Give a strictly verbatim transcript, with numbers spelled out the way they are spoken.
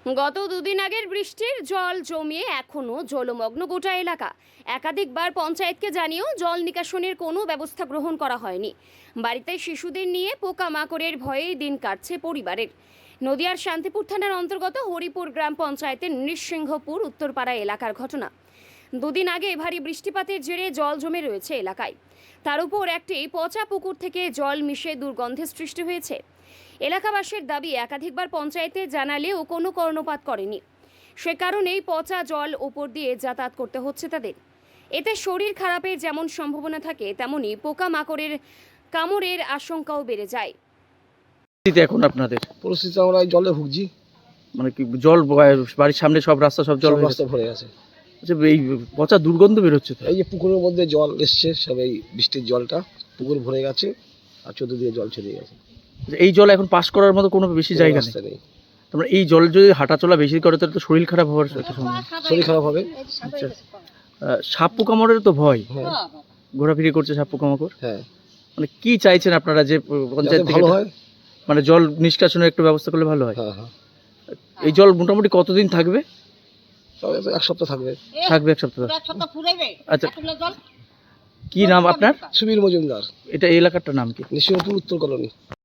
গত দুদিন আগের বৃষ্টির জল জমিয়ে এখনো জলমগ্ন গোটা এলাকা। একাধিকবার পঞ্চায়েতকে জানিয়েও জল নিকাশনের কোনো ব্যবস্থা গ্রহণ করা হয়নি। বাড়িতে শিশুদের নিয়ে পোকামাকড়ের ভয়েই দিন কাটছে পরিবারের। নদিয়ার শান্তিপুর থানার অন্তর্গত হরিপুর গ্রাম পঞ্চায়েতের নৃসিংহপুর উত্তরপাড়া এলাকার ঘটনা। দুদিন আগে ভারী বৃষ্টিপাতের জেরে জল জমে রয়েছে এলাকায়। তার উপর একটি পচা পুকুর থেকে জল মিশে দুর্গন্ধের সৃষ্টি হয়েছে। এলাকাবাসীর দাবি, একাধিকবার পঞ্চায়েতে জানালেও কোনো কর্ণপাত করেনি, সে কারণেই পচা জল ওপর দিয়ে যাতায়াত করতে হচ্ছে তাদের। এতে শরীর খারাপের যেমন সম্ভাবনা থাকে, তেমনি পোকামাকড়ের কামড়ের আশঙ্কাও বেড়ে যায়। এখন আপনাদের পরিস্থিতি আমরা জলে ভুগছি, মানে কি জল বাড়ির সামনে সব রাস্তা সব জল সব রাস্তা ভরে গেছে। আচ্ছা, এই পচা দুর্গন্ধ বেরোচ্ছে তো। এই যে পুকুরের মধ্যে জল এসছে, সব এই বৃষ্টির জলটা পুকুর ভরে গেছে আর চতুর্দিকে জল ছেড়ে গেছে। এই জল এখন পাস করার মতো কোনো বেশি কোনো জায়গা রাস্তা নেই। নেই। তোমরা এই জল যদি হাঁটাচলা বেশি করে তাহলে তো শরীর খারাপ হওয়ার একটা সম্ভাবনা। শরীর খারাপ হবে। আচ্ছা, আহ, সাপ পোকামাকড়ের তো ভয়, হ্যাঁ ঘোরাফিরি করছে সাপ পোকামাকড়। হ্যাঁ, মানে কি চাইছেন আপনারা যে পঞ্চায়েত যাতে থেকে ভালো এটা- হয়। মানে জল নিষ্কাশনের একটু ব্যবস্থা করলে ভালো হয়। হ্যাঁ হ্যাঁ, এই জল মোটামুটি কতদিন থাকবে? তবে তো এক সপ্তাহ থাকবে। থাকবে এক সপ্তাহ। আচ্ছা, কি নাম আপনার? সুবীর মজুমদার, এটা এই এলাকাটার নাম কি? নৃসিংহপুর উত্তর কলোনি।